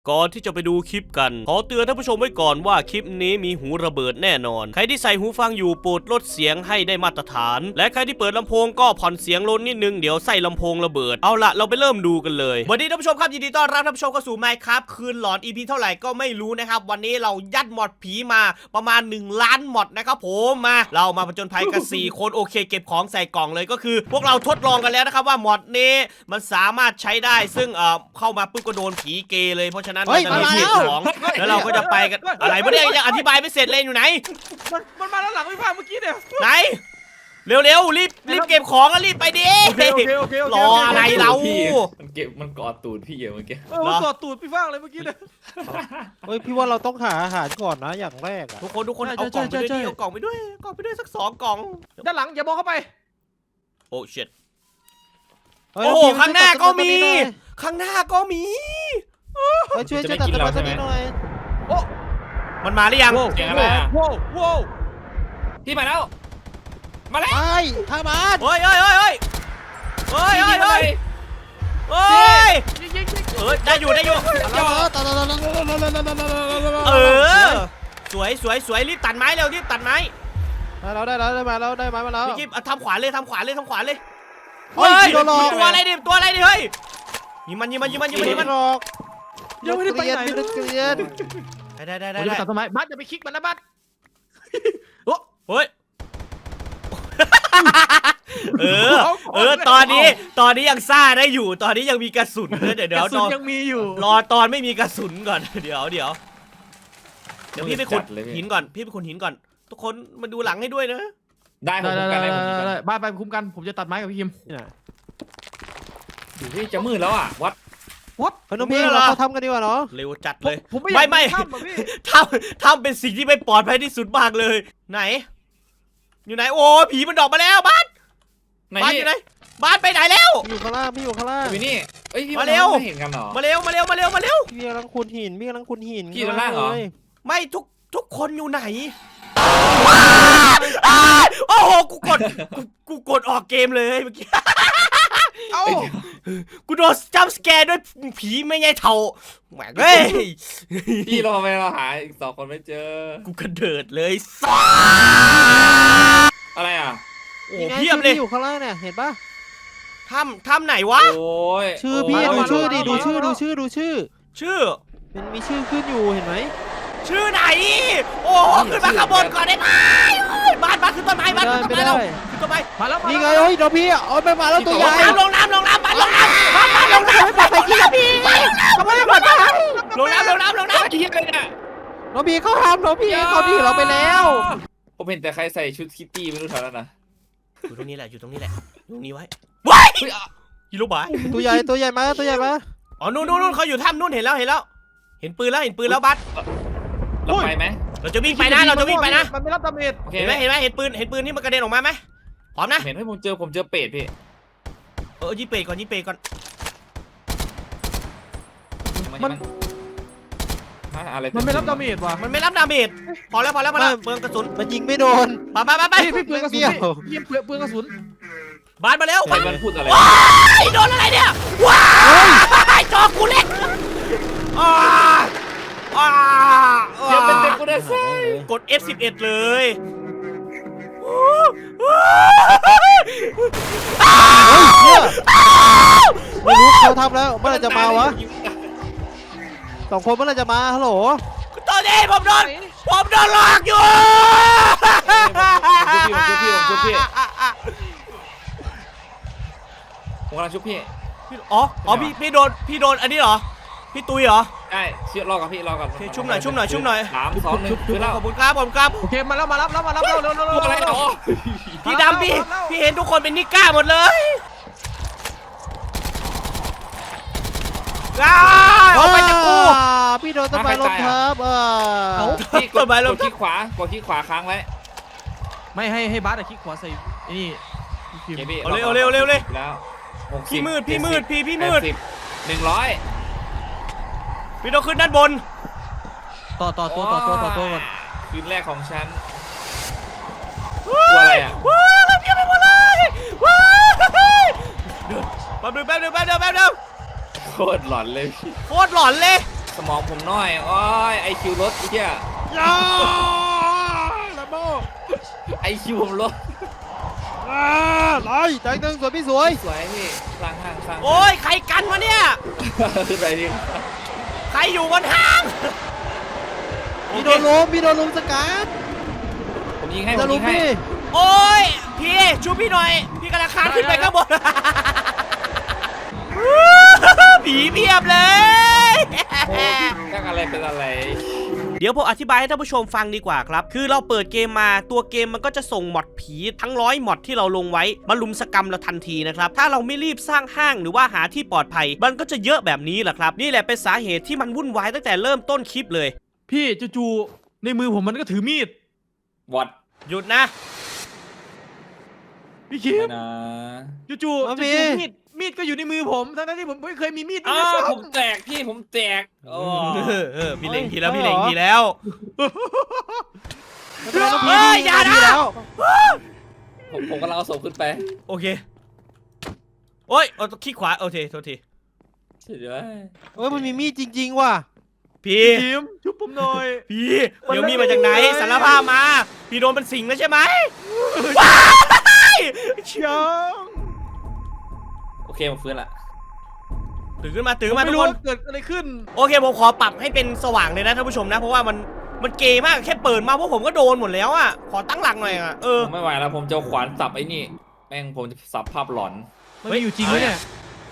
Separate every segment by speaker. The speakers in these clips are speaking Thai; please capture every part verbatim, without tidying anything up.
Speaker 1: ก่อนที่จะไปดูคลิปกันขอเตือนท่านผู้ชมไว้ก่อนว่าคลิปนี้มีหูระเบิดแน่นอนใครที่ใส่หูฟังอยู่โปรดลดเสียงให้ได้มาตรฐานและใครที่เปิดลำโพงก็ผ่อนเสียงลดนิดนึงเดี๋ยวใส่ลำโพงระเบิดเอาละเราไปเริ่มดูกันเลยวันนี้ท่านผู้ชมครับยินดีต้อนรับท่านผู้ชมเข้าสู่ Minecraft คืนหลอน อี พี เท่าไหร่ก็ไม่รู้นะครับวันนี้เรายัดมอดผีมาประมาณหนึ่งล้านมอดนะครับผมมาเรามาผจญภัยกันสี่คนโอเคเก็บของใส่กล่องเลยก็คือพวกเราทดลองกันแล้วนะครับว่ามอดนี้มันสามารถใช้ได้ซึ่งเอ่อเข้ามาปุ๊บก็โดนผีเกย์เลยเพราะฉะนั้นเราจะมีเก็บของแล้วเราก็จะไปกันอะไรไม่ได้ยังอธิบายไม่เสร็จเลยอยู่ไหน
Speaker 2: มันมันมาแล้วหลังพี่ฟ้าเมื่อกี้เนี่ย
Speaker 1: ไหนเร็วๆรีบรีบเก็บของแล้วรีบไปดิรออะไรเรา
Speaker 3: มันเก็บมันกอดตูดพี่เมื่อกี้
Speaker 2: เออกอดตูดพี่ฟ้าเลยเมื่อกี้เนี่ย
Speaker 4: เฮ้ยพี่ว่าเราต้องหาอาหารก่อนนะอย่างแรกอะ
Speaker 1: ทุกคนทุกคนเอากล่องไปด้วยเอากล่องไปด้วยกล่องไปด้วยสักสองกล่อง
Speaker 2: ด้านหลังอย่ามองเข้าไป
Speaker 1: โอ้เช็ดโอ้โหข้างหน้าก็มีข้างหน้าก็มี
Speaker 4: ช่วยช่วยตัดต้นไม้ต้นนี้หน่อย
Speaker 1: โอ้มันมาหรือยัง
Speaker 3: เสียงอะไรอ่ะ
Speaker 2: โว้โว้
Speaker 3: พี่มาแล้วมาแล้ว
Speaker 4: ไอ้ข้าบ้าน
Speaker 1: เฮ้ยเฮ้ยเฮ้ยเฮ้ยเฮ้ยเฮ้ยเฮ้ยเฮ้ยเออได้อยู่ได้อยู่เออสวยสวยสวยรีบตัดไม้เร็วรีบตัดไม้
Speaker 4: ได้แล้วได้แล้วได้มาแล้วได้ไม้มาแล้ว
Speaker 1: รีบทำขวานเลยทำขวานเลยทำขวานเลยเฮ้ยตัวอะไรดิตัวอะไรดิเฮ้ยยิงมันยิงมันยิงมันยิงมันยิงมัน
Speaker 2: ยังไม่ได้ไปไหน
Speaker 4: เลยเกลียน
Speaker 1: ได้ได้ได้
Speaker 2: ได้ตัดต้นไม้บัสอย่าไปคลิกมันนะบัส
Speaker 1: โอ้เฮ้ยเออเออตอนนี้ตอนนี้ยังซ่าได้อยู่ตอนนี้ยังมีกระสุนเดี๋ยวเดี๋ยว
Speaker 2: ยังมีอยู่
Speaker 1: รอตอนไม่มีกระสุนก่อนเดี๋ยวเดี๋ยวเดี๋ยวพี่ไปขุดหินก่อนพี่ไปขุดหินก่อนทุกคนมาดูหลังให้ด้วยนะ
Speaker 3: ได้ได้ได้
Speaker 2: ได้บ้านไปคุ้มกันผมจะตัดไม้กับพี่คิม
Speaker 3: อยู่ที่จะมืดแล้วอ่ะวัด
Speaker 4: วัดน้องพี่เราเขาทำกันดีกว่าเนาะ
Speaker 1: เร็วจัดเลยไม่ไม่ทำทำเป็นสิ่งที่ไม่ปลอดภัยที่สุดมากเลยไหนอยู่ไหนโอ้ผีมันดอกมาแล้วบ้านบ้านอยู่ไหนบ้านไปไหนแล้ว
Speaker 4: อยู่ข้างล่างพี่อยู่ข้างล่าง
Speaker 3: อยู่นี่เอ้ยพี่
Speaker 1: มาเร็ว
Speaker 3: เห็นกันหรอ
Speaker 1: มาเร็วมาเร็วมาเร็วมาเร็ว
Speaker 4: พี่กำลังขุดหินพี่กำลังขุดหิน
Speaker 3: พี่ข้างล่างเหรอ
Speaker 1: ไม่ทุกทุกคนอยู่ไหนโอ้โหกูกดกูกดออกเกมเลยเมื่อกี้เอ้ากูโดนจัมป์สแกร์ด้วยผีไม่ใช่เท่าแหมเฮ้ย
Speaker 3: พี่เราไปเราหาอีกสองคนไม่เจอ
Speaker 1: กูกระเดิดเลย
Speaker 3: อะไรอ่ะ
Speaker 1: โอ้เพียบเลย
Speaker 4: อยู่ข้างล่างเนี่ยเห็นปะ
Speaker 1: ถ้ำถ้ำไหนวะ
Speaker 3: โอ้ย
Speaker 4: ชื่อพี่ดูชื่อดิดูชื่อดูชื่อดูชื่อ
Speaker 1: ชื่อ
Speaker 4: มันมีชื่อขึ้นอยู่เห็นไหม
Speaker 1: ชื่อไหนโอ้ขึ้นมาข้างบนก่อนได้ไหมบ้านบ้านขึ้นต้นไม้บ้านขึ้นต้นไม้แล้วขึ้นต้นไม้
Speaker 2: มาแล้ว
Speaker 4: นี่ไงเฮ้ยเดี๋ยวพี่เอาไปมาแล้วตัวใหญ่
Speaker 1: ลงน้ำลงน้ำบ้านลงน้ำบ้านบ้านลงน้ำไปกินกับพี่เขาไม่ได้หมดนะลงน้ำลงน้ำลงน้ำ
Speaker 3: กี่อะไรเนี่ย
Speaker 4: น้องพี่เขาทำน้องพี่เขาดีเราไปแล้ว
Speaker 3: ผมเห็นแต่ใครใส่ชุดคิตตี้ไม่รู้เท่านั้นนะ
Speaker 1: อยู่ตรงนี้แหละอยู่ตรงนี้แหละตรงนี้ไว้ว้ายยิโรบาย
Speaker 4: ตัวใหญ่ตัวใหญ่มาตัวใหญ่มา
Speaker 1: อ๋อนู่นนู่นเขาอยู่ถ้ำนู่นเห็นแล้วเห็นแล้วเห็นปืนแล้วเห็นปืนแล้วบัส
Speaker 3: เราไปไหม
Speaker 1: เราจะวิ่งไปนะเราจะวิ่งไปนะ
Speaker 2: มันไม่รับดาเมจ
Speaker 1: เห็นไหมเห็นไหมเห็นปืนเห็นปืนที่มันกระเด็นออกมาไหมพร้อมนะ
Speaker 3: เห็นให้ผมเจอผมเจอเป็ดพี่
Speaker 1: เออยิงเป็ดก่อนยิงเป็ดก่อน
Speaker 3: มันอะไร
Speaker 2: มันไม่รับดาเมจว่ะ
Speaker 1: มันไม่รับดาเมจพอแล้วพอแล้วพอแล้วเปลืองกระสุน
Speaker 4: มันยิงไม่โดน
Speaker 1: ไปไปไปไป
Speaker 2: พี่เปลืองกระสุนพี่เปลืองเปลืองกระสุน
Speaker 1: บานมาแล้ว
Speaker 3: ใครมันพูดอะไร
Speaker 1: ว้ายโดนอะไรเนี่ยว้ายจอกูเล็กอ้าอ้า
Speaker 3: เดี๋ยวเป็นเด็กกูได้ใช่
Speaker 1: กด เอฟ สิบเอ็ด เลย
Speaker 4: ไม่รู้เขาทำแล้วเมื่อไรจะมาวะสองคนเมื่อไรจะมาฮัลโหล
Speaker 1: ตอนนี้ผมโดนผมโดนหลอกอยู่
Speaker 3: ผมชุบพี่ผมชุบพี่ผมกำลังชุบพี่
Speaker 1: อ๋ออ๋อพี่พี่โดนพี่โดนอันนี้เหรอพี่ตุยเหรอ
Speaker 3: ใช่เชื่อรอกับพี่รอกับ
Speaker 1: ชุ่มหน่อยชุ่มหน่อยชุ่มหน่อย
Speaker 3: สามสองหนึ่งคือแล้ว
Speaker 1: ขอบคุณครับผมครับ
Speaker 2: โอเคมาแล้วมารับแล้วมารับแล้วเร็วเร็วเร็ว
Speaker 3: อะไรต่อ
Speaker 1: พี่ดำพี่พี่เห็นทุกคนเป็นนิก้าหมดเลยว้าวเอาไปจากกู
Speaker 4: พี่โดนต้นไม้ล้มทับอ่ะ
Speaker 3: พี่กดไปลงที่ขวากดที่ขวาค้างไว้
Speaker 2: ไม่ให้ให้บาสอะคลิกขวาใส่นี่
Speaker 1: เอาเร็วเร็วเร็วเลย
Speaker 3: แล้ว
Speaker 1: พี่มืดพี่มืดพี่พี่มืด
Speaker 3: หนึ่งร้อย
Speaker 1: พี่ต้องขึ้นด้านบน
Speaker 2: ต่อต่อตัวต่อตัวต่อตัวก่อน
Speaker 3: คืนแรกของฉันตัวอะไรอ่ะ
Speaker 1: ว้าวเพี้ยไปหมดเลยว้าวแป๊บนึงแป๊บนึงแป๊บนึงแป๊บนึง
Speaker 3: โคตรหลอนเลย
Speaker 1: โคตรหลอนเลย
Speaker 3: สมองผมน้อยโอ้ยไอคิวลดไอ้เหี้ย
Speaker 4: ยาลัมโบ
Speaker 3: ไอคิวผมลด
Speaker 4: อ่าไล่แตงหนึ่งสวยพี่สวย
Speaker 3: สวยพี่สร้างห้างสร้าง
Speaker 1: โอ้ยใครกันวะเนี่ย
Speaker 3: ขึ้นไปดิ
Speaker 1: ใครอยู่บนห้าง
Speaker 4: มีโดนลมมีโดนลมสกัด
Speaker 3: ผมยิงให้ผ
Speaker 4: จะ
Speaker 3: ม
Speaker 4: ลุ
Speaker 3: ยิ
Speaker 4: ม
Speaker 3: งให้
Speaker 4: พี่
Speaker 1: โอ้ยพี่ช่วยพี่หน่อย พี่กำลังคานขึ้นไปข้างบน ผีเพียบเลย
Speaker 3: โอ้แกล้งอะไรเป็นอะไร
Speaker 1: เดี๋ยวผมอธิบายให้ท่านผู้ชมฟังดีกว่าครับ คือเราเปิดเกมมาตัวเกมมันก็จะส่งมอดผีทั้งร้อยมอดที่เราลงไว้มาลุมสกรรมเราทันทีนะครับ ถ้าเราไม่รีบสร้างห้างหรือว่าหาที่ปลอดภัย มันก็จะเยอะแบบนี้แหละครับ นี่แหละเป็นสาเหตุที่มันวุ่นวายตั้งแต่เริ่มต้นคลิปเลย
Speaker 2: พี่จู่ๆในมือผมมันก็ถือมีด
Speaker 3: วอด
Speaker 1: หยุดนะ
Speaker 2: พี่คิม
Speaker 3: นะ
Speaker 2: จู่ๆจู่ๆมีดมีดก็อยู่ในมือผมทั้งๆที่ผมไม่เคยมีมีด
Speaker 3: อ้า
Speaker 2: ด้วย
Speaker 3: ว
Speaker 2: ซ้ำ
Speaker 3: ผมแตกพี่ผมแตกโอ้
Speaker 1: เออเออพี่เล็งทีแล้วพี่เล็งทีแล้ว
Speaker 4: ไม่เป็นไรน้อง
Speaker 1: เฮ้
Speaker 4: พี่
Speaker 1: ยอย่านะ
Speaker 4: ดีแล้ว
Speaker 3: ผมผมกำลังเอาศพขึ้นไป
Speaker 1: โอเคโอ้ยเอาคลิกขวาโอเคโทษที
Speaker 3: เฉยเลย
Speaker 4: เอ้ยมันมีมีดจริง ๆ ว่ะ
Speaker 1: พี่
Speaker 2: คิมชุบผมหน่อย
Speaker 1: พี่เดี๋ยวมีมาจากไหน
Speaker 2: มันไม่เลย
Speaker 1: สารภาพมา พี่โดนเป็นสิงแล้วใช่ไหมว้าย
Speaker 2: ช้าง
Speaker 3: โอเคผมฟื้นละ
Speaker 1: ตื่นขึ้นมาตื่น
Speaker 2: ผม
Speaker 1: ขึ้นมา
Speaker 2: ไม่
Speaker 1: ทุก
Speaker 2: รู้
Speaker 1: คน
Speaker 2: ว่าเกิดอะไรขึ้น
Speaker 1: โอเคผมขอปรับให้เป็นสว่างเลยนะท่านผู้ชมนะ เพราะว่ามันมันเกย์มากแค่เปิดมาพวกผมก็โดนหมดแล้วอ่ะขอตั้งหลักหน่อยอ่ะเออ
Speaker 3: ผมไม่ไหวแล้วผมจะเอาขวานสับไอ้นี่แม่งผมจะสับภาพหลอน
Speaker 2: มันมีอยู่จริงไหมเนี่ย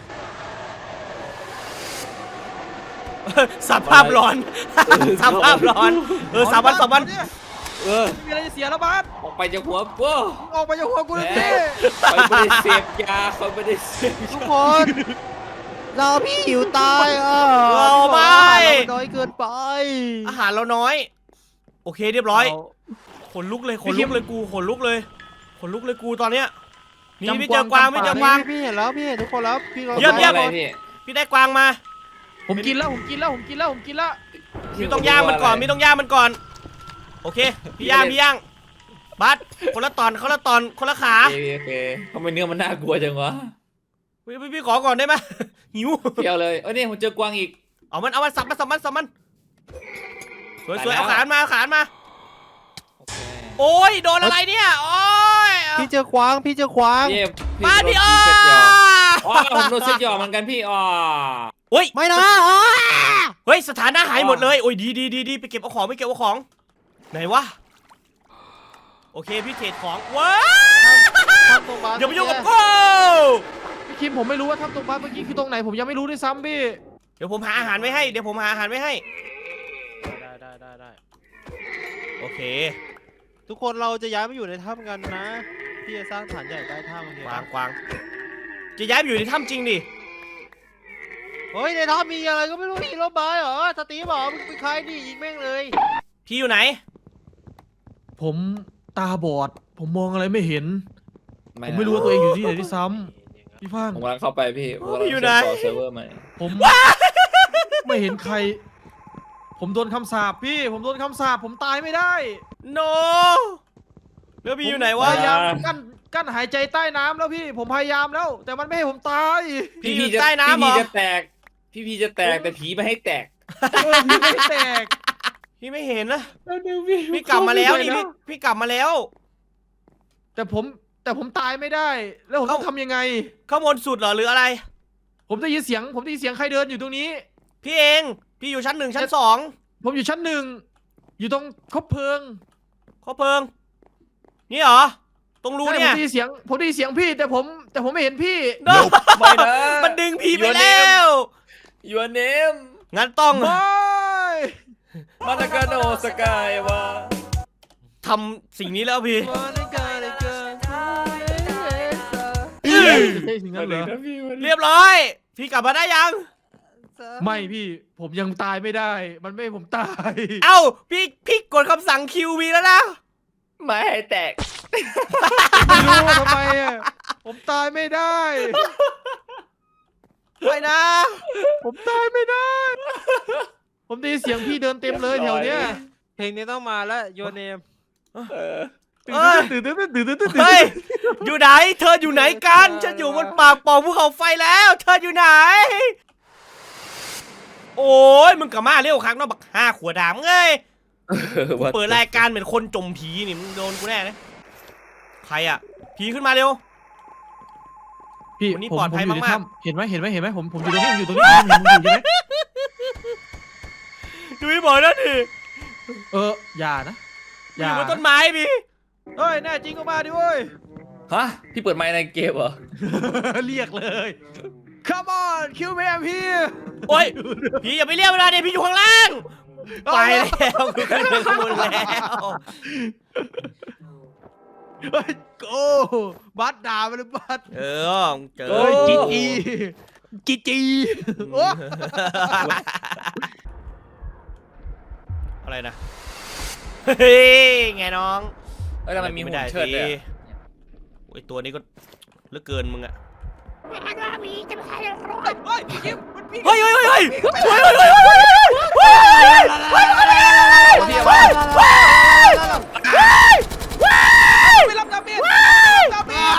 Speaker 1: สับภาพร้อนสับภาพร้อนเออสามวันสามวัน
Speaker 3: เออ
Speaker 2: ไม่มีอะไรจะเสียแล้วบาส
Speaker 3: ออกไปจากหัวกู
Speaker 2: ออกไปจากหัวกูเลย
Speaker 3: แหม
Speaker 2: พี่
Speaker 3: เขาไม่ได้เสพยาเขาไม่ได้เสพ
Speaker 4: ทุกคนเราพี่หิวตายอ่ะ
Speaker 1: เราไม่
Speaker 4: เราน้อยเกินไป
Speaker 1: อาหารเราน้อย โอเคเรียบร้อย
Speaker 2: เอา
Speaker 1: ขนลุกเลยขน
Speaker 2: พี่
Speaker 1: ลุ
Speaker 2: คิ
Speaker 1: ก
Speaker 2: ม
Speaker 1: เลยกูขนลุกเลยขนลุกเลยกูตอนเนี้ยนี่
Speaker 2: จำ
Speaker 1: ไม่เจอกวาง
Speaker 2: กวาง
Speaker 1: ไม่เจอ
Speaker 2: จำ
Speaker 1: กวาง
Speaker 4: พี่พี่เห็นแล้วพี่เห็นทุกคนแล้วพี่รอ
Speaker 1: เยี่ยมเยี่ยม
Speaker 3: อะไรพี่
Speaker 1: พี่ได้กวางมา
Speaker 2: ผมกินแล้วผมกินแล้วผมกินแล้วผมกินแล้ว
Speaker 1: มีต้องย่างมันก่อนมีต้องย่างมันก่อน โอเค พี่ย่างพี่ย่างบัสคนละตอนคนละตอนคนละขา
Speaker 3: โอเคโอเคทำไมเนื้อมันน่ากลัวจังวะ
Speaker 1: พี่พี่พี่ขอก่อนได้ไหม หิว
Speaker 3: เที่ยวเลยเอ้ยนี่ผมเจอกวางอีก
Speaker 1: เอามันเอามันสับมันสับมันสับมันสวยสวย
Speaker 3: ตายแล้ว
Speaker 1: เอาขานมาเอาขานมา
Speaker 3: โอเค
Speaker 1: โอ้ยโดนอะไรเนี่ยโอ้ย
Speaker 4: พี่เจอควางพี่เจอควาง
Speaker 3: พี่
Speaker 1: บ้านพี่
Speaker 3: โด
Speaker 1: อ้อน
Speaker 3: เซ็ตหยออ๋อผมโดนเซ็ตหยอเหมือนกันพี่อ๋อ
Speaker 1: เฮ้ย
Speaker 4: ไม่นะอ้า
Speaker 1: เฮ้ยสถานะหายหมดเลยโอ้ยดีดีดีดีไปเก็บเอาของไปเก็บเอาของไหนวะโอเคพี่เทรดของว้า
Speaker 4: ทำตรงบ้าน
Speaker 1: อย่าไปยุ่งกับกู
Speaker 2: พี่คิมผมไม่รู้ว่าทำตรงบ้านเมื่อกี้คือตรงไหนผมยังไม่รู้ด้วยซ้ำพี่
Speaker 1: เดี๋ยวผมหาอาหารไว้ให้เดี๋ยวผมหาอาหารไว้ให้
Speaker 4: ได้ได้ได้ได้
Speaker 1: โอเค
Speaker 4: ทุกคนเราจะย้ายมาอยู่ในถ้ำกันนะพี่จะสร้างฐานใหญ่ใต้ถ้ำโอเค
Speaker 1: กวางกวางจะย้ายไปอยู่ในถ้ำจริงดิ
Speaker 4: เฮ้ยในถ้ำมีอะไรก็ไม่รู้มีรถบายเหรอสตีฟเหรอมึงเป็นใครดิยิงแม่งเลย
Speaker 1: พี่อยู่ไหน
Speaker 2: ผมตาบอด ผมมองอะไรไม่เห็น ผมไม่รู้ว่าตัวเองอยู่ที่ไหนด้วยซ้ำพี่พัง
Speaker 3: ผมกำลังเข้าไปพี่ผมกำลัง
Speaker 1: อยู่ไหน
Speaker 3: เชื่อมต่อเซิร์ฟเวอร์ใหม่
Speaker 2: ผมไม่เห็นใคร ผมโดนคำสาปพี่ ผมโดนคำสาปผมตายไม่ได้
Speaker 1: โนแล้วพี่อยู่ไหน
Speaker 2: พ
Speaker 1: วะ
Speaker 2: ยายามกั้นกั้นหายใจใต้น้ำแล้วพี่ ผมพยายามแล้ว แต่มันไม่ให้ผมตาย
Speaker 1: พี่อยู่
Speaker 3: จะ
Speaker 1: ใต้น้ำเหร
Speaker 3: พี่
Speaker 1: อ
Speaker 3: จะแตก พี่พีจะแตกแต่ผีไม่ให้แตก
Speaker 2: เออพี่ไม่แตก
Speaker 1: พี่ไม่เห็นนะ
Speaker 2: แล้วดูพี่
Speaker 1: พี่กลับมาแล้วนี่
Speaker 2: เข้
Speaker 1: พี่พี่กลับมาแล้ว
Speaker 2: แต่ผมแต่ผมตายไม่ได้ แล้วผมต้อง
Speaker 1: เอ้า
Speaker 2: ทำยังไง
Speaker 1: ข้างบนสุดเหรอหรืออะไร
Speaker 2: ผมได้ยินเสียง ผมได้ยินเสียงใครเดินอยู่ตรงนี้
Speaker 1: พี่เอง พี่อยู่ชั้นหนึ่งชั้นสอง
Speaker 2: ผมอยู่ชั้นหนึ่งอยู่ตรงคบเพลิง
Speaker 1: ข้อเพลิง นี่เหรอ ตรงรู
Speaker 2: ใช่
Speaker 1: เนี่
Speaker 2: ผม
Speaker 1: ย
Speaker 2: ได้ยินเสียง ผมได้ยินเสียงพี่ แต่ผมแต่ผมไม่เห็นพี่
Speaker 1: โน่
Speaker 3: ไม่นะ
Speaker 1: มันดึงพี่ไป
Speaker 3: Your
Speaker 1: แล้ว
Speaker 3: Your name
Speaker 1: งั้นต้อง
Speaker 2: ไม่
Speaker 3: มาตากาโนสกายวะ
Speaker 1: ทำสิ่งนี้แล้วพี่
Speaker 2: ใช่ถึงนั้นเหรอ
Speaker 1: เรียบร้อย พี่กลับมาได้ยัง
Speaker 2: ไม่พี่ ผมยังตายไม่ได้ มันไม่ให้ผมตาย
Speaker 1: เอ้า พี่พี่กดคำสั่งคิววีแล้วนะ
Speaker 3: ไม่ให้แตก
Speaker 2: ไม่รู้ว่าทำไมอ่ะ ผมตายไม่ได้
Speaker 1: ไปนะ
Speaker 2: ผมตายไม่ได้ ผมได้ยินเสียงพี่เดินเต็มเลยแถวเนี้ย
Speaker 4: เพลงนี้ต้องมาแล้วโยเนม
Speaker 3: เออ
Speaker 2: ตื่นตื่นตื่นตื่นตื่นตื่นตื่น
Speaker 1: เฮ้ย อยู่ไหน เธออยู่ไหนกัน ฉันอยู่บนปากปล่องภูเขาไฟแล้ว เธออยู่ไหน โโอ้ยมึงกลับมาเร็วครั้งนอกบักห้าขวดดามเอ้ยเปิดรายการเหมือนคนจมผีนี่มึงโดนกูแน่เลยใครอ่ะผีขึ้นมาเร็ว
Speaker 2: พี่
Speaker 1: วันนี้
Speaker 2: ผม
Speaker 1: ปลอดภัย
Speaker 2: ผมยู่ใน
Speaker 1: มากๆ
Speaker 2: ถ้ำเห็นไหมเห็นไหมเห็นไหมผมผมอยู่ตรงนี้ผมอยู่ตรงนี้ผมอยู่ผมอยู่ใช่ไหม
Speaker 1: ดูพี่บอกนะดิ
Speaker 2: เอออย่านะ
Speaker 1: อ ยู่บนต้นไม้พี่
Speaker 2: เฮ้ยแน่จริงก็มาดิเว้ย
Speaker 3: ฮะพี่เปิดไมค์ในเกมเหรอ
Speaker 2: เรียกเลย Come on kill me I'm here
Speaker 1: โอ้ยพี่อย่าไปเรียกเวลาเดี๋ยวพี่อยู่ข้างล่างไปแล้วกูขึ้นไปข้างบนแล้ว
Speaker 2: เฮ้ยโก้บัสด่าไปเลยบัส
Speaker 1: เออเจอ
Speaker 2: เฮ้ยจีจีจีจีโอ้
Speaker 1: อะไรนะเฮ้ยไงน้อง
Speaker 3: เอ้ยทำไมมีหุ่นเชิดเลยอะ
Speaker 1: โอ้ยตัวนี้ก็เหลือเกินมึงอะ
Speaker 2: เฮ้ยพี่กิ๊ฟมันพี่
Speaker 1: เฮ้ยเฮ้ยเฮ้ยเฮ้ยเฮ้ยเฮ้ยเฮ้ยเฮ้ยเฮ้ย
Speaker 3: พี่ว่า
Speaker 2: ไม่รับดาเมจดาเมจ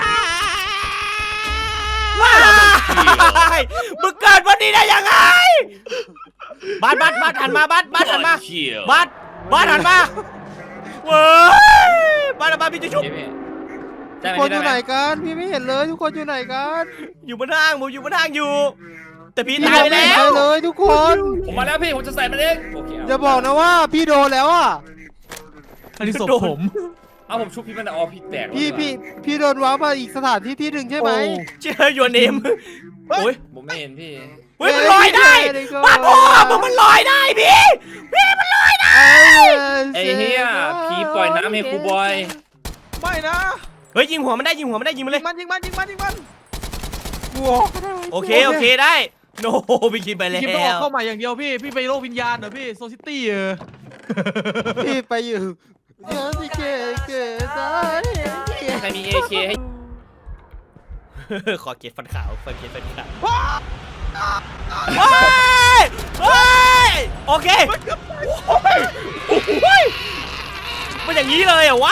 Speaker 1: ว้ายมึงเกิดวันนี้ได้ยังไงบัสบัสบัสหันมาบัสบัสหันมาบัสบัสหันมาเว้ยบัสหันมาพี่จะชุบ
Speaker 3: พี่พี่ใช่
Speaker 4: ทุก
Speaker 3: ไหม
Speaker 4: คน
Speaker 3: พี่
Speaker 4: อยู่
Speaker 3: ได้
Speaker 4: ไหน
Speaker 3: ไหม
Speaker 4: กันพี่ไม่เห็นเลยทุกคนอยู่ไหนกัน
Speaker 1: อยู่บนห้างผมอยู่บนห้างอยู่ แต่พี่
Speaker 4: พี่
Speaker 1: ตาย
Speaker 4: ไม่
Speaker 1: แล้
Speaker 4: เห็น
Speaker 1: ว
Speaker 4: เลยทุกคน
Speaker 3: ผมมาแล้วพี่ผมจะใส่มันเองโอเค
Speaker 4: อย่าบอกนะว่าพี่โดนแล้วอ่ะ
Speaker 2: อันนี้ศพผม
Speaker 3: เอาผมชุบพี่มันอ๋อพี่แตก
Speaker 4: พี่พี่พี่โดนว้ามาอีกสถานที่ที่หนึ่งใช่ไหม
Speaker 1: เชื่อยูเนมโอ้ย
Speaker 3: ผมไม่เห็นพี่
Speaker 1: เฮ้ยมันลอยได้บ้าพ่อมึงมันลอยได้พี่พี่มันลอยได้
Speaker 3: ไอ้เฮียพี่ปล่อยน้ำให้ครูบอย
Speaker 2: ไม่นะ
Speaker 1: เฮ้ยยิงหัวมันได้ยิงหัวมันได้ยิงมัน
Speaker 2: ยิ
Speaker 1: เลย
Speaker 2: งมันยิงมันยิงมันยิงมัน
Speaker 1: โอเคโอเคได้โนพี่คิดไปแล้
Speaker 2: คิมต้องออก
Speaker 1: ว
Speaker 2: เข้าใหม่อย่างเดียวพี่พี่ไปโลกวิญญาณเหรอพี่โซซิตี้เออ
Speaker 4: พี่ไปอยู่เดี๋ยวสิเกเกซาย
Speaker 3: ใครมีเอเคให้
Speaker 1: ขอเกียรติฟันขาวฟันเกียรติฟันขาวเฮ้ยเฮ้ยโอเคโอ้ยมันอย่างนี้เลยเหรอวะ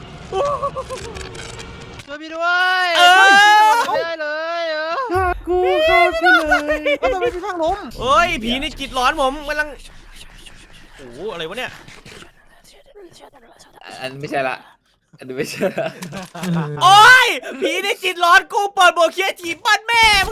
Speaker 4: ช่วยพี่ด้วย
Speaker 1: เออ
Speaker 4: ไม่ได้เลยเออ
Speaker 2: กูเข้าไปเลยแล้วทำไมพี่ข้างล้ม
Speaker 1: เฮ้ยผีในจิตร้อนผมกำลังโอ้โหอะไรวะเนี่ย
Speaker 3: อันไม่ใช่ละอันนี้ไม่ใช่ละ
Speaker 1: โอ้ยผีในจิตร้อนกูเปิดโบเคียจีบบ้านแม่มึง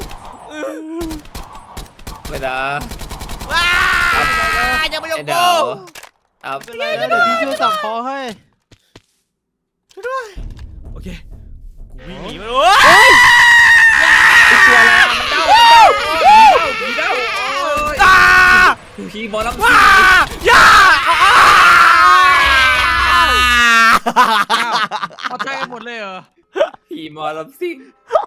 Speaker 3: ไม่นะ
Speaker 1: ว้าอย่ามายุ่
Speaker 3: ไอ้
Speaker 1: ง
Speaker 3: เดี๋
Speaker 1: กู
Speaker 3: ยวเอา
Speaker 4: เป็นไรนะเดี๋ยวพี่ช่วยสั่งคอให้
Speaker 1: ช่วยด้วยโอเคกูวิ่งหนีมาโอ้ย
Speaker 3: ตัวอะไรมันเด้ามันเด้าผีเด้า
Speaker 1: อ่า
Speaker 3: ผีหมอลำ
Speaker 1: ว้าอย่าอ่า
Speaker 2: เอาใจกันหมดเลยเหรอ
Speaker 3: ผีหมอลำซิ่ง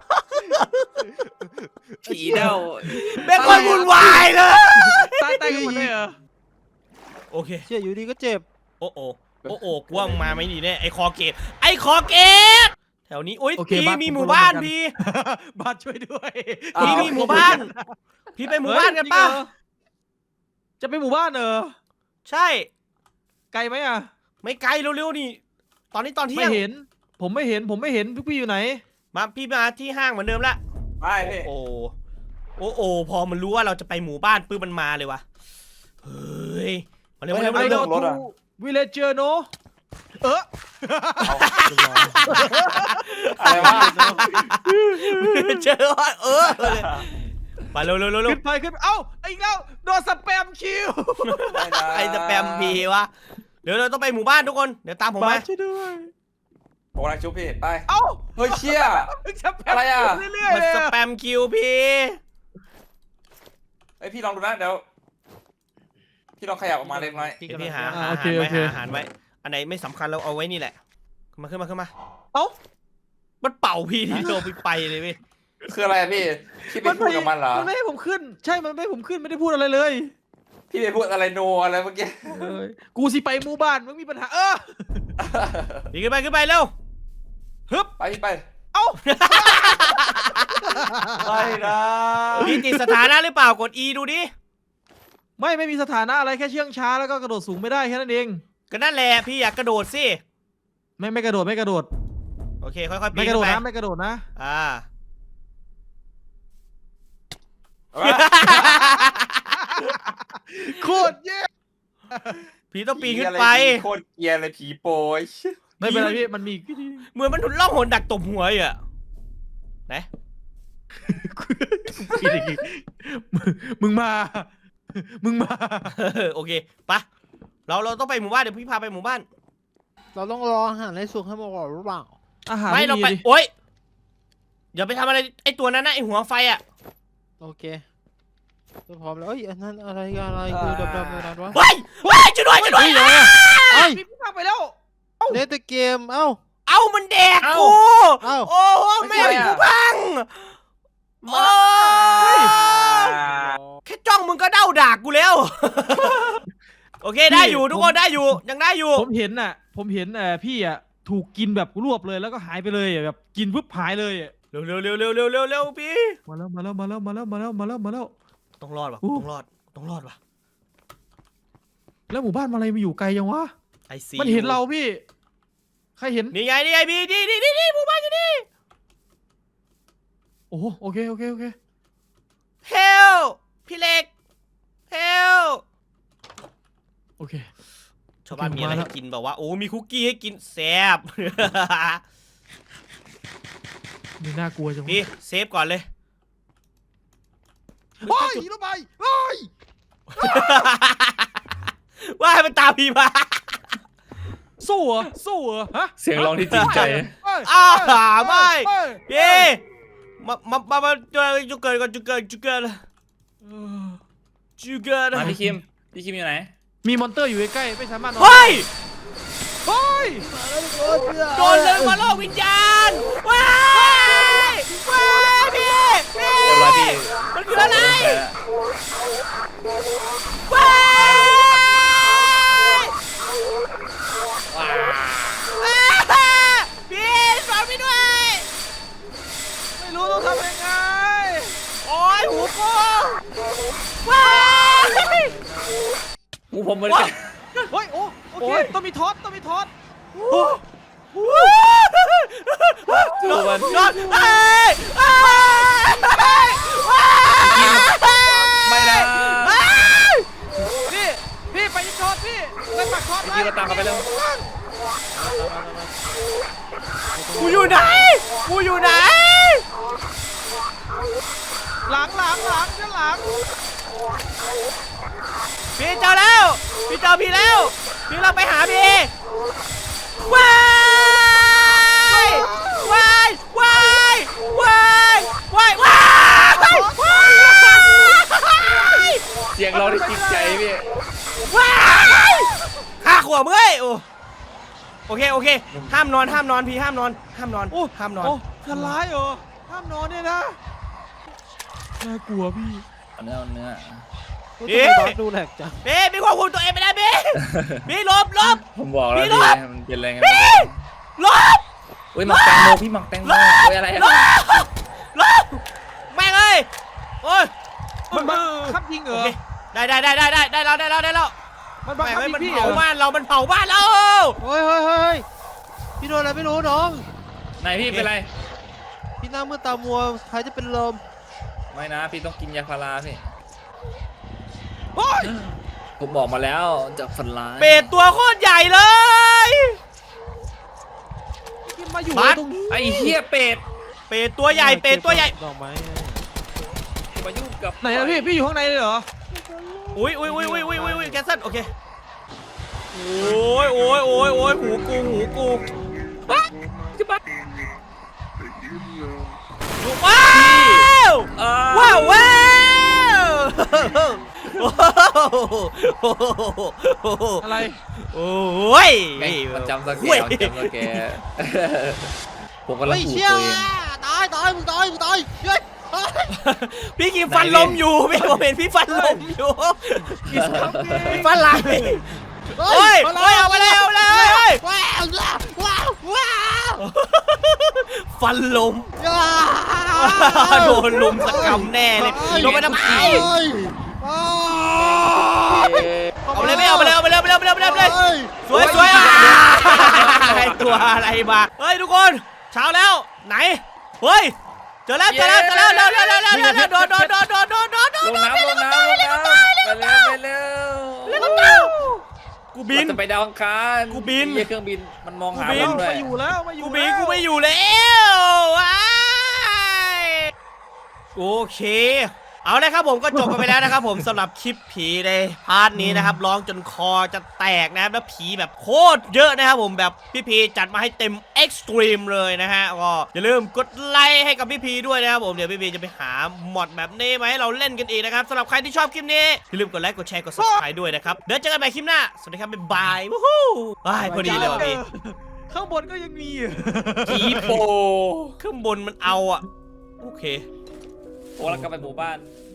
Speaker 3: ผีเด้า
Speaker 1: เป็นคนวุ่นวายเลย
Speaker 2: ตายตายกันหมดเลยเหรอ
Speaker 1: โอเค
Speaker 4: เชี่ยอยู่ดีก็เจ็บ
Speaker 1: โอ้โอโอ้โอกว่างมาไม่ดีแน่ไอคอเกตไอคอเกตแถวนี้อุ้ยพี่มีหมู่บ้านพี่
Speaker 2: บ้านช่วยด้วย
Speaker 1: พี่มีหมู่บ้าน พี่ไปหมู่บ้านกันป่ะ
Speaker 2: จะไปหมู่บ้านเหรอ
Speaker 1: ใช่
Speaker 2: ไกลไหมอ่ะ
Speaker 1: ไม่ไกลเร็วๆนี่ ตอนนี้ตอนเที่
Speaker 2: ไม่
Speaker 1: ยง
Speaker 2: เห็น ผมไม่เห็นผมไม่เห็นพี่พี่อยู่ไหน
Speaker 1: มาพี่มาที่ห้างเหมือนเดิมละ
Speaker 3: ไม่พี่
Speaker 1: โอ้โอ้โอ้พอมันรู้ว่าเราจะไปหมู่บ้านปื้มมันมาเลยวะเฮ้ยมาเร็วมาเร็ว
Speaker 2: ไอ
Speaker 1: มา
Speaker 2: โด
Speaker 1: เร็ว
Speaker 2: ทูวิลเลจเจอร์โนเออ
Speaker 3: อะไรวะ
Speaker 1: เจอเออไปเร็วเร็วเร็วเร็ว
Speaker 2: ขึ้นไปขึ้นไปเอ้าอีกแล้วโดนสแปมคิว
Speaker 1: ไอสแปมพีวะเดี๋ยวเราต้องไปหมู่บ้านทุกคนเดี๋ยวตามผมมา
Speaker 2: ช่วยด้วย
Speaker 3: ผมกำลังชุบพี่ไป
Speaker 2: เอ้า
Speaker 3: เฮ้ยเชี่ย
Speaker 2: สแปม
Speaker 3: อะไรอะ
Speaker 2: เรื่อยๆ
Speaker 1: มัน
Speaker 2: เลย
Speaker 1: ส
Speaker 2: อะ
Speaker 1: แปมคิวพี่
Speaker 3: ไอพี่ลองดูนะเดี๋ยวพี่ลองขยับออกมาเล็กน้อย
Speaker 1: พี่พี่หา
Speaker 2: อ่า
Speaker 1: หา
Speaker 2: โอ
Speaker 1: อา
Speaker 2: เค
Speaker 1: หาร
Speaker 2: โอ
Speaker 1: ไว้
Speaker 2: เค
Speaker 1: หาอาหารไว้อันไหนไม่สำคัญเราเอาไว้นี่แหละขึ้นมาขึ้นมาขึ้นมา
Speaker 2: เอ้า
Speaker 1: มันเป่าพี่ทีโดนไปไปเลยเว้ย
Speaker 3: คืออะไรอะพี่พี่ไปพูดกับมันเหรอ
Speaker 2: มันไม่ให้ผมขึ้น ใช่มันไม่ให้ผมขึ้นไม่ได้พูดอะไรเลย
Speaker 3: พี่ไปพูดอะไรโนอะไรเมื่อกี้
Speaker 2: เอ้ยกูสิไปหมู่บ้านมึงมีปัญหาเออ
Speaker 1: พี่ขึ้นไปขึ้นไปเร็วฮึบ
Speaker 3: ไปพี่ไป
Speaker 2: เอ้า
Speaker 3: ไปนะ
Speaker 1: พี่ติดสถานะหรือเปล่ากด E ดูดิ
Speaker 2: ไม่ไม่มีสถานะอะไรแค่เชื่องช้าแล้วก็กระโดดสูงไม่ได้แค่นั้นเอง
Speaker 1: ก็นั่นแหละพี่อยากกระโดดสิ
Speaker 2: ไม่ไม่กระโดดไม่กระโดด
Speaker 1: โอเคค่อยๆปี
Speaker 2: ไม่
Speaker 1: น
Speaker 2: กระโด
Speaker 1: ขึ้
Speaker 2: ด
Speaker 1: นไป
Speaker 2: นะไม่กระโดดนะ
Speaker 1: อ่า
Speaker 2: โคตรแย่
Speaker 1: ผีต้องปีนขึ้นไป
Speaker 3: โคตรเกลียร์เลยผีโปรย
Speaker 2: ไม่เป็นไรพี่มันมีอีกวิธี
Speaker 1: เหมือนมันถุนล่องหนดักตบหัวอ่ะไหน
Speaker 2: ปีนอีกมึงมึงมา มึงมา
Speaker 1: โอเคปะเราเราต้องไปหมู่บ้านเดี๋ยวพี่พาไปหมู่บ้าน
Speaker 4: เราต้องรออาหารให้สุกให้หมดก่อนหรือเปล่า
Speaker 2: อาหาร
Speaker 1: ไม่
Speaker 2: ไม่
Speaker 1: เรา
Speaker 2: มี
Speaker 1: ไป
Speaker 2: ดิ
Speaker 1: โอ๊ยอย่าไปทำอะไรไอ้ตัวนั้นนะไอ้หัวไฟอ่ะ
Speaker 4: โอเคจะพร้อมแล้วเอ้ยอันนั้นอะไรอะไรคือดำๆอะไรวะ
Speaker 1: เฮ้ยเฮ้ยช่วยด้วยช่วยด้วย
Speaker 4: เอ้ย
Speaker 2: พี่พาไปแล้ว
Speaker 4: เล่นแต่เกมเอ้า
Speaker 1: เอามันแดกกู
Speaker 4: เอ้า
Speaker 1: โอ้โหแม่งกูพังโอ้ยแค่จ้องมึงก็เด้าด่ากูแล้ว โอเคได้อยู่ทุกคนได้อยู่ยังได้อยู่
Speaker 2: ผมเห็นน่ะ ผมเห็นเอ่อพี่อ่ะถูกกินแบบรวบเลยแล้วก็หายไปเลยอะแบบกินปุ๊บหายเลยอะ
Speaker 1: เร็วเร็วเร็วเร็วเร็วเร็วเร็วพี่
Speaker 2: มาแล้วมาแล้วมาแล้วมาแล้วมาแล้วมาแล้วมาแล้ว
Speaker 1: ต้องรอดว่ะ
Speaker 2: อู้
Speaker 1: ต้องรอดต้องรอดว่ะ
Speaker 2: แล้วหมู่บ้านมาอะไรมาอยู่ไกลยังวะ
Speaker 1: ไอซี
Speaker 2: มันเห็นเราพี่ ใครเห็น
Speaker 1: นี่ไงนี่ไงพี่นี่นี่นี่นี่หมู่บ้านอยู่นี่
Speaker 2: โอ้โหโอเคโอเคโอเค
Speaker 1: เฮลพี่เล็กเฮล
Speaker 2: โอเค
Speaker 1: ชาวบ้านมีอะไร
Speaker 2: มาแล้
Speaker 1: ให้
Speaker 2: ว
Speaker 1: กินแบบว่าโอ้มีคุกกี้ให้กินแซ่บ
Speaker 2: นี่น่ากลัวจังวะ
Speaker 1: พี่เซฟก่อนเลย
Speaker 2: เฮ้ยรถไฟเฮ้ย
Speaker 1: ว่าให้มันตามพี่มา
Speaker 2: สู้เหรอสู้เหรอฮะ
Speaker 3: เสียงร้องที่จริงใจ
Speaker 2: เฮ้ย
Speaker 1: อ้าวไม่
Speaker 2: เฮ้ย
Speaker 1: พี่มามามามาจุจุเกินก่อนจุเกินจุเกิน
Speaker 2: เออ
Speaker 1: จุเกิน
Speaker 3: มาพี่คิมพี่คิมอยู่ไหน
Speaker 2: มีมอนเตอร์อยู่ใกล้ๆไม่สามารถนอน
Speaker 1: เฮ้ย
Speaker 2: เฮ้ย
Speaker 1: โดนเลยมาล่อวิญญาณว้ายว้ายพี่พี่
Speaker 3: เรียบร้อยพี่
Speaker 1: มันคืออะไร
Speaker 3: แพ้
Speaker 1: ว้าย
Speaker 3: ว้า
Speaker 1: อ้าพี่สอนพี่ด้วย
Speaker 2: ไม่รู้ต้องทำยังไง
Speaker 1: โอ้ยหูกูว้าย
Speaker 3: หูผมเหมือนกัน
Speaker 2: เฮ้ยโอ้โอเคต้องมีทอสต้องมีทอส
Speaker 3: ดูมัน
Speaker 1: นอนเอ้ยเอ้ย
Speaker 3: ไม่นะ
Speaker 2: พี่พี่ไปยิงทอสพี่ไปปักทอส
Speaker 3: พี่คิมมาตามกันไปเร็ว
Speaker 1: กูอยู่ไหนกูอยู่ไหน
Speaker 2: หลังหลังหลังด้านหลัง
Speaker 1: พี่เจอแล้วพี่เจอพี่แล้วพี่เราไปหาพี่ว้ายว้ายว้ายว้ายว้ายว้ายว้าย
Speaker 3: เสียงร้องที่จริงใจพี่
Speaker 1: ว้ายข้าขวบเอ้ยโอ้โอเคโอเคห้ามนอนห้ามนอนพี่ห้ามนอนห้ามนอน
Speaker 2: โอ้
Speaker 1: ห้ามนอน
Speaker 2: โอ้ทันร้ายเหรอห้ามนอนเนี่ยนะน่ากลัวพี่
Speaker 3: เอาเนื้อเอาเนื้อ
Speaker 1: เอ๊ะ
Speaker 4: ทำไมบอสดูแหลกจัง
Speaker 1: พี่พี่ควบคุมตัวเองไม่ได้พี่พี่หลบหลบ
Speaker 3: ผมบอกแล้ว
Speaker 1: พี่
Speaker 3: พี่
Speaker 1: รอด
Speaker 3: มันเป็นอะไรไง
Speaker 1: พี่หลบ
Speaker 3: เฮ้ยหมักแตงโมพี่หมักแตงโมเฮ้ยอะไร
Speaker 1: หล
Speaker 3: อะ
Speaker 1: บหลบแม่งเอ้ยโอ้ย
Speaker 2: มันบังคับยิงเหร
Speaker 1: โอ
Speaker 2: อ
Speaker 1: เคได้ได้ได้ได้ได้ได้แล้วได้แล้วได้แล้ว
Speaker 2: มันบัง
Speaker 1: แม่ง
Speaker 2: คับ
Speaker 1: เอ้ย
Speaker 2: ยิง
Speaker 1: มัน
Speaker 2: พี่เหร
Speaker 1: เผา
Speaker 2: อ
Speaker 1: บ้านเรามันเผาบ้านเรา
Speaker 4: เฮ้ยเฮ้ยเฮ้ยพี่โดนอะไรไม่รู้น้อง
Speaker 3: ไหนพี่เป็นไร
Speaker 4: พี่หน้ามืดตามัวใครจะเป็นลม
Speaker 3: ไม่นะพี่ต้องกินยาพาราพี่
Speaker 2: เฮ้ย
Speaker 3: ผมบอกมาแล้วจะฝันร้าย
Speaker 1: เป็ดตัวโคตรใหญ่เลย
Speaker 2: กินมาอยู่
Speaker 1: บัส
Speaker 2: ตรงนี้
Speaker 3: ไอ้เหี้ยเป็ด
Speaker 1: เป็ดตัวใหญ่เป็ดตัวใหญ่
Speaker 4: ดอกไม้ไง
Speaker 3: มายุ่งกับ
Speaker 2: ไหนอะพี่พี่อยู่ข้างในเลยเหรอ
Speaker 1: อุ้ยอุ้ยอุ้ยอุ้ยอุ้ยอุ้ยแคนเซิลโอเคโอ้ยโอ้ยโอ้ยโอ้ยหูกูหูกู
Speaker 3: จะบัด
Speaker 1: ว้าว
Speaker 3: อ่า
Speaker 1: ว้าวว้าว
Speaker 2: อะไร
Speaker 1: โอ้ย
Speaker 3: แม่งมันจำสแก
Speaker 1: เว้ย
Speaker 3: ร์มันจำสแกร์ผมกำลัง
Speaker 4: เฮ้ย
Speaker 3: ผูก
Speaker 4: เชี่ย
Speaker 3: ตัวเอง
Speaker 4: ตายตายมึงตายมึงตายเฮ้ยเฮ้ย
Speaker 1: พี่กินฟันลมอยู่พี่ผมเห็นพี่ฟันลมอยู่พี่ฟันลายโอ้ยโอ้ยเอาไปเลยเอาไปเลย
Speaker 4: ว้าวว้าวว้าว
Speaker 1: ฟันลม
Speaker 4: ว้าว
Speaker 1: โดนลุมสกรรมแน่เลยลงไปทำไม
Speaker 4: เฮ้ยว้าว
Speaker 1: เอาไปเลยไม่เอาไปเลยเอาไปเลยเอาไปเลยเอาไปเลยเอาไปเลย
Speaker 4: เฮ้ย
Speaker 1: สวยสวยอ่ะไอตัวอะไรมาเฮ้ยทุกคนเช้าแล้วไหนเฮ้ยเจจอแล้วเจอแล้วเจอแล้วเร็วเร็วเร็วเร็วเร็วเร็วโดดโดดโดดโดดโดดโดดโดด
Speaker 3: ลงน้ำลงน้ำลงน้ำไปเร็วไปเร็ว
Speaker 1: เร็วเร็วกูบิน
Speaker 3: เราจะไปดาวอังคาร
Speaker 1: กูบิน
Speaker 3: ไอ้เครื่องบินมันมองหา
Speaker 1: กูบิน
Speaker 3: เราด้ว
Speaker 2: มาย อยู่แล้วมาอยู่
Speaker 1: กูบิน
Speaker 2: แล้ว
Speaker 1: กูไม่อยู่แล้วว้ายโอเค เอาเลยครับผมก็จบกันไปแล้วนะครับผมสำหรับคลิปผีในพาร์ทนี้นะครับร้องจนคอจะแตกนะครับแล้วผีแบบโคตรเยอะนะครับผมแบบพี่พีจัดมาให้เต็มเอ็กซ์ตรีมเลยนะฮะก็อย่าลืมกดไลค์ให้กับพี่พีด้วยนะครับผมเดี๋ยวพี่พีจะไปหาหมอดแบบนี้มาให้เราเล่นกันอีกนะครับสำหรับใครที่ชอบคลิปนี้อย่าลืมกดไลค์กดแชร์กด ซับสไครบ์ ด้วยนะครับเดี๋ยวเจอกันใหม่คลิปหน้าสวัสดีครับบ๊ายบายวู้ฮู้ว้ายพอดีเลยว่ะพี่
Speaker 2: ข้างบนก็ยังมี
Speaker 3: ผีโป
Speaker 1: ข้างบนมันเอาอ่ะโอเค
Speaker 3: โอ้แล้วกลับไปหมู่บ้าน